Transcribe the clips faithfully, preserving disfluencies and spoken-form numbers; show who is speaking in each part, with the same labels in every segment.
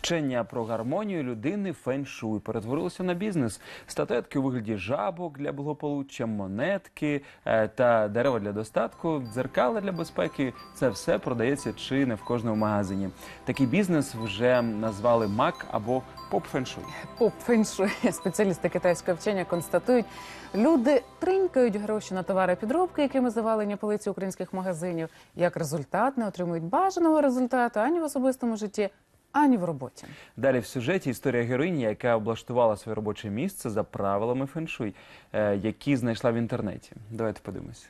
Speaker 1: Вчення про гармонію людини фен-шуй перетворилося на бізнес. Статуетки у вигляді жабок для благополуччя, монетки та дерева для достатку, дзеркала для безпеки – це все продається чи не в кожному магазині. Такий бізнес вже назвали мак або поп-фен-шуй.
Speaker 2: Поп-фен-шуй. Спеціалісти китайського вчення констатують, люди тринькають гроші на товари підробки, якими завалені полиці українських магазинів. Як результат, не отримують бажаного результату ані в особистому житті, ані в роботі.
Speaker 1: Далі в сюжеті історія героїні, яка облаштувала своє робоче місце за правилами фен-шуй, які знайшла в інтернеті. Давайте подивимось.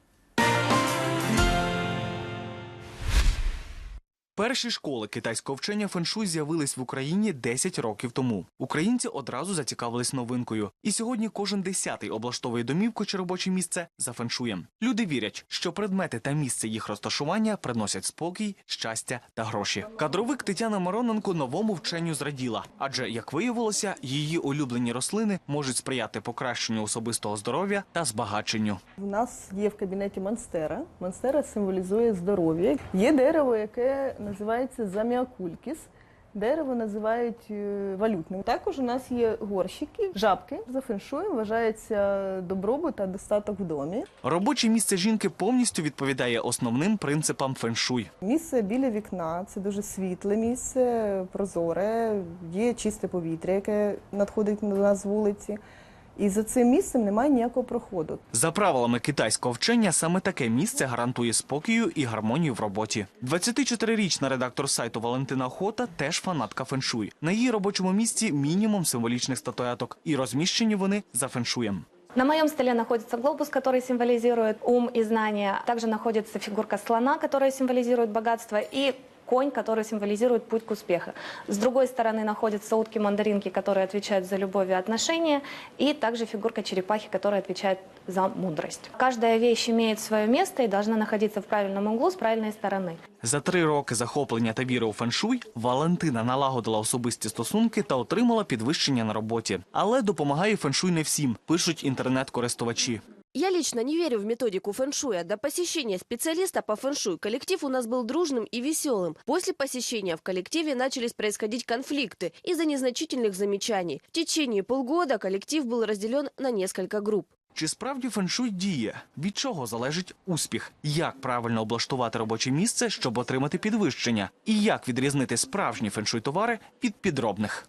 Speaker 3: Перші школи китайського вчення фен-шуй з'явились в Україні десять років тому. Українці одразу зацікавились новинкою. І сьогодні кожен десятий облаштовує домівку чи робоче місце за фен-шуєм. Люди вірять, що предмети та місце їх розташування приносять спокій, щастя та гроші. Кадровик Тетяна Мироненко новому вченню зраділа. Адже, як виявилося, її улюблені рослини можуть сприяти покращенню особистого здоров'я та збагаченню.
Speaker 4: У нас є в кабінеті монстера. Монстера символізує здоров'я. Є дерево, яке називається заміакулькіс. Дерево називають валютним. Також у нас є горщики, жабки. За фен-шуєм вважається добробут та достаток в домі.
Speaker 3: Робоче місце жінки повністю відповідає основним принципам фен-шуй.
Speaker 4: Місце біля вікна – це дуже світле місце, прозоре, є чисте повітря, яке надходить до нас з вулиці. І за цим місцем немає ніякого проходу.
Speaker 3: За правилами китайського вчення, саме таке місце гарантує спокою і гармонію в роботі. двадцятичотирирічна редактор сайту Валентина Охота теж фанатка фен-шуй. На її робочому місці мінімум символічних статуеток. І розміщені вони за фен-шуєм.
Speaker 5: На моем столе находится глобус, который символизирует ум и знания. Также находится фигурка слона, которая символизирует богатство, и конь, который символизирует путь к успеху. С другой стороны находятся утки-мандаринки, которые отвечают за любовь и отношения, и также фигурка черепахи, которая отвечает за мудрость. Каждая вещь имеет свое место и должна находиться в правильном углу с правильной стороны.
Speaker 3: За три роки захоплення та віри у фен-шуй Валентина налагодила особисті стосунки та отримала підвищення на роботі. Але допомагає фен-шуй не всім, пишуть інтернет-користувачі.
Speaker 6: Я лично не верю в методику фэн-шуя. До посещения специалиста по фэн-шуй коллектив у нас был дружным и веселым. После посещения в коллективе начались происходить конфликты из-за незначительных замечаний. В течение полгода коллектив был разделен на несколько групп.
Speaker 3: Чи справді фен-шуй діє? Від чого залежить успіх? Як правильно облаштувати робоче місце, щоб отримати підвищення? І як відрізнити справжні фен-шуй товари від підробних?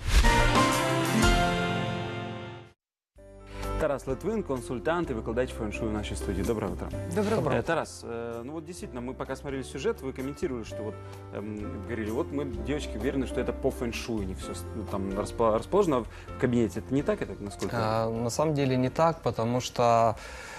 Speaker 1: Тарас Литвин, консультант и выкладач фэн-шуй в нашей студии. Доброе утро.
Speaker 2: Доброе утро.
Speaker 1: Э, Тарас, э, ну вот действительно, мы пока смотрели сюжет, вы комментировали, что вот эм, говорили, вот мы, девочки, уверены, что это по фэн-шуй, не все ну, там расположено в кабинете. Это не так, это насколько?
Speaker 7: А, на самом деле не так, потому что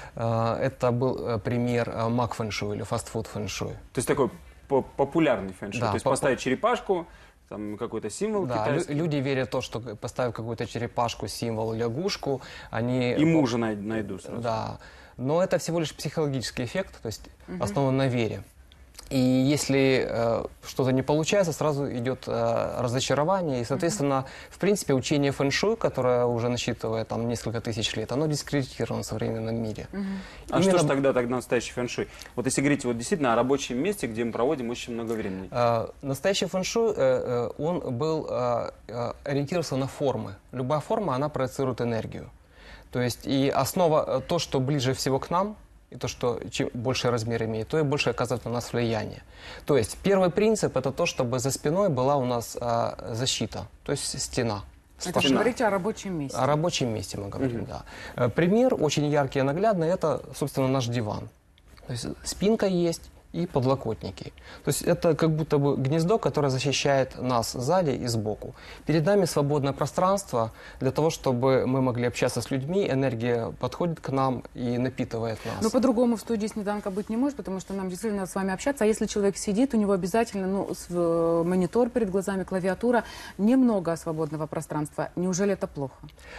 Speaker 7: э, это был пример э, мак фэн-шуй или фастфуд фэн-шуй.
Speaker 1: То есть такой популярный фэн-шуй,
Speaker 7: Да,
Speaker 1: то есть
Speaker 7: по
Speaker 1: поставить черепашку, там какой-то символ
Speaker 7: да,
Speaker 1: китайский.
Speaker 7: Люди верят в то, что поставив какую-то черепашку, символ, лягушку, они...
Speaker 1: И мужа найду сразу.
Speaker 7: Да, но это всего лишь психологический эффект, то есть угу. основан на вере. И если э, что-то не получается, сразу идет э, разочарование. И, соответственно, mm-hmm. в принципе, учение фэн-шуй, которое уже насчитывает там несколько тысяч лет, оно дискредитировано в современном мире.
Speaker 1: Mm-hmm. А Именно... что же тогда, тогда настоящий фэн-шуй? Вот если говорить вот действительно о рабочем месте, где мы проводим очень много времени.
Speaker 7: Э, настоящий фэн-шуй, э, он был э, э, ориентировался на формы. Любая форма, она проецирует энергию. То есть и основа, то, что ближе всего к нам, и то, что чем больше размер имеет, то и больше оказывает на нас влияние. То есть первый принцип – это то, чтобы за спиной была у нас а, защита, то есть стена.
Speaker 2: Это вы говорите о рабочем месте.
Speaker 7: О рабочем месте мы говорим, угу. да. Пример очень яркий и наглядный – это, собственно, наш диван. То есть спинка есть и подлокотники. То есть это как будто бы гнездо, которое защищает нас сзади и сбоку. Перед нами свободное пространство для того, чтобы мы могли общаться с людьми, энергия подходит к нам и напитывает нас.
Speaker 2: Но по-другому в студии снеданка быть не может, потому что нам действительно надо с вами общаться. А если человек сидит, у него обязательно ну, с, монитор перед глазами, клавиатура, немного свободного пространства. Неужели это плохо?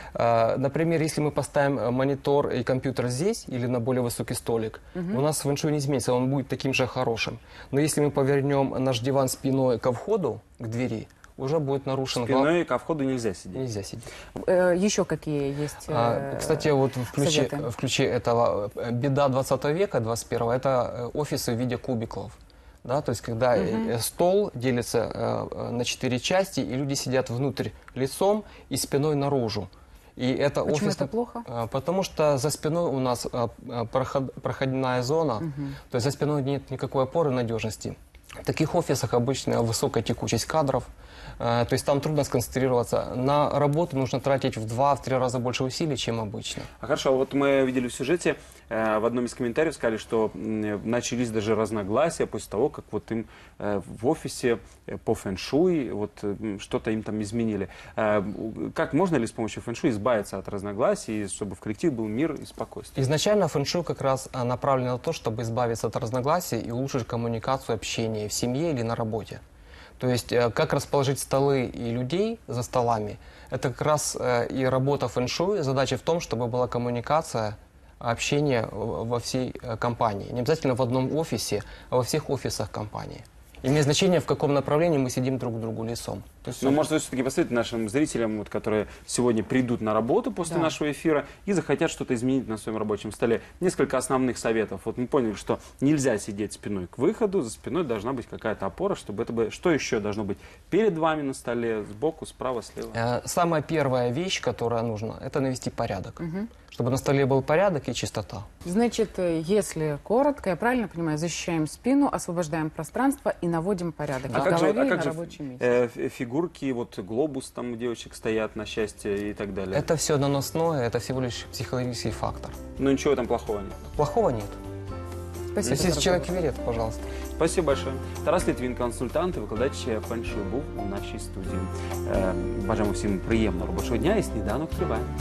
Speaker 7: А, например, если мы поставим монитор и компьютер здесь или на более высокий столик, угу. у нас фэн-шуй не изменится, он будет таким же хорошим. Но если мы повернем наш диван спиной ко входу, к двери, уже будет нарушен...
Speaker 1: Спиной ко входу нельзя сидеть.
Speaker 7: Нельзя сидеть.
Speaker 2: Э, еще какие есть э,
Speaker 7: а, Кстати, вот в ключе, в ключе этого беда двадцатого века, двадцать первого, это офисы в виде кубиков. Да, то есть, когда э, стол делится э, э, на четыре части, и люди сидят внутрь лицом и спиной наружу. И это
Speaker 2: Почему
Speaker 7: офис,
Speaker 2: это плохо?
Speaker 7: э, потому что за спиной у нас э, э, проход- проходная зона, то есть за спиной нет никакой опоры надежности. В таких офисах обычно высокая текучесть кадров, э, то есть там трудно сконцентрироваться. На работу нужно тратить в два-три раза больше усилий, чем обычно.
Speaker 1: А хорошо, вот мы видели в сюжете, э, в одном из комментариев сказали, что м, начались даже разногласия после того, как вот им э, в офисе э, по фэншуй вот э, что-то им там изменили. Э, как можно ли с помощью фэншуй избавиться от разногласий, чтобы в коллективе был мир и спокойствие?
Speaker 7: Изначально фэншуй как раз а, направлен на то, чтобы избавиться от разногласий и улучшить коммуникацию, общение в семье или на работе. То есть э, как расположить столы и людей за столами, это как раз э, и работа фэншуй. Задача в том, чтобы была коммуникация, общение в- во всей э, компании. Не обязательно в одном офисе, а во всех офисах компании. Имеет значение, в каком направлении мы сидим друг к другу лицом. То есть,
Speaker 1: Ну, может, вы все-таки посоветуете нашим зрителям, вот, которые сегодня придут на работу после
Speaker 2: Да.
Speaker 1: нашего эфира и захотят что-то изменить на своем рабочем столе, несколько основных советов. Вот мы поняли, что нельзя сидеть спиной к выходу, за спиной должна быть какая-то опора, чтобы это было... Что еще должно быть перед вами на столе, сбоку, справа, слева?
Speaker 7: Э, Самая первая вещь, которая нужна, это навести порядок. Чтобы на столе был порядок и чистота.
Speaker 2: Значит, э, если коротко, я правильно понимаю, защищаем спину, освобождаем пространство и наводим порядок.
Speaker 1: А
Speaker 2: И в
Speaker 1: как же,
Speaker 2: голове,
Speaker 1: а
Speaker 2: и
Speaker 1: как
Speaker 2: на
Speaker 1: же
Speaker 2: рабочем месте.
Speaker 1: э, ф- фигурки, вот глобус там у девочек стоят на счастье и так далее?
Speaker 7: Это все наносное, это всего лишь психологический фактор.
Speaker 1: Ну ничего там плохого нет.
Speaker 7: Плохого нет.
Speaker 2: Спасибо.
Speaker 7: Если
Speaker 2: за
Speaker 7: человек
Speaker 2: разговор.
Speaker 7: верит, пожалуйста.
Speaker 1: Спасибо большое. Тарас Литвин, консультант і викладач феншуй був у нашій студії. Е, Бажаємо всім приємного робочого дня і сніданок триває.